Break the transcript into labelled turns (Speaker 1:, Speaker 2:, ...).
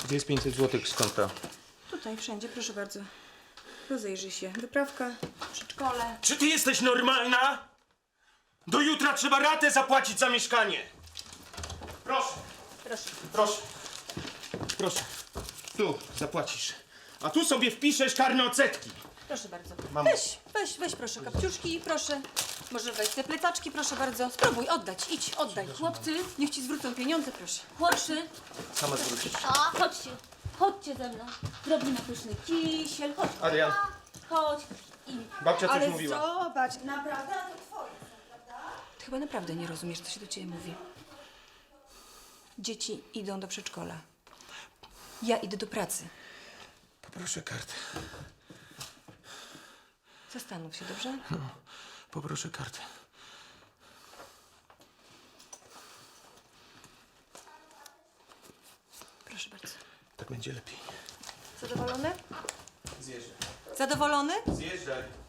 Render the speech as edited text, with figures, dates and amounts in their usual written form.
Speaker 1: Gdzie jest 500 zł z konta?
Speaker 2: Tutaj, wszędzie, proszę bardzo. Rozejrzyj się. Wyprawka, przedszkole.
Speaker 1: Czy ty jesteś normalna? Do jutra trzeba ratę zapłacić za mieszkanie. Proszę,
Speaker 2: Proszę.
Speaker 1: proszę, proszę. Tu zapłacisz. A tu sobie wpiszesz karne odsetki.
Speaker 2: Proszę bardzo.
Speaker 1: Mamo.
Speaker 2: Weź proszę kapciuszki, proszę. Może weź te plecaczki, proszę bardzo. Spróbuj oddać, idź, oddaj. Chłopcy, niech ci zwrócą pieniądze, proszę.
Speaker 3: Chłopcy,
Speaker 1: Sama zwrócisz.
Speaker 3: chodźcie ze mną. Zrobimy pyszny kisiel, chodź.
Speaker 1: Adrian,
Speaker 3: Chodź. I
Speaker 1: babcia coś
Speaker 2: Ale
Speaker 1: mówiła.
Speaker 2: zobacz, naprawdę, a to twoje są, prawda? Ty chyba naprawdę nie rozumiesz, co się do ciebie mówi. Dzieci idą do przedszkola. Ja idę do pracy.
Speaker 1: Poproszę kartę.
Speaker 2: Zastanów się, dobrze?
Speaker 1: Poproszę kartę.
Speaker 2: Proszę bardzo.
Speaker 1: Tak będzie lepiej.
Speaker 2: Zadowolony?
Speaker 1: Zjeżdżaj.
Speaker 2: Zadowolony?
Speaker 1: Zjeżdżaj.